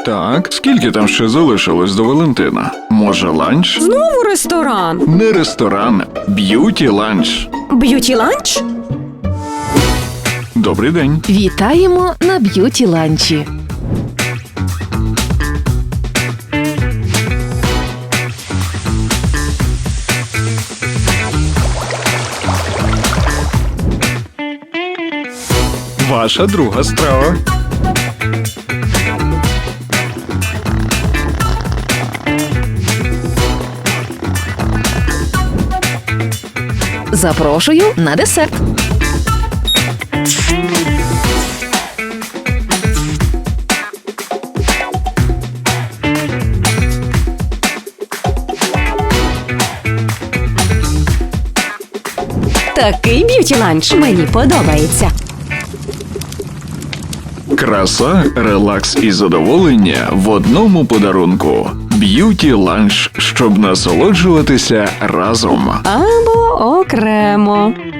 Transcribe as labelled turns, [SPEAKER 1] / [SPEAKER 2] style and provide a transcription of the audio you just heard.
[SPEAKER 1] Так, скільки там ще залишилось до Валентина? Може, ланч?
[SPEAKER 2] Знову ресторан.
[SPEAKER 1] Не ресторан, б'юті-ланч.
[SPEAKER 2] Б'юті-ланч?
[SPEAKER 1] Добрий день.
[SPEAKER 3] Вітаємо на б'юті-ланчі.
[SPEAKER 1] Ваша друга страва.
[SPEAKER 3] Запрошую на десерт.
[SPEAKER 2] Такий б'юті-ланч мені подобається.
[SPEAKER 1] Краса, релакс і задоволення в одному подарунку. Б'юті-ланч, щоб насолоджуватися разом.
[SPEAKER 2] Або окремо.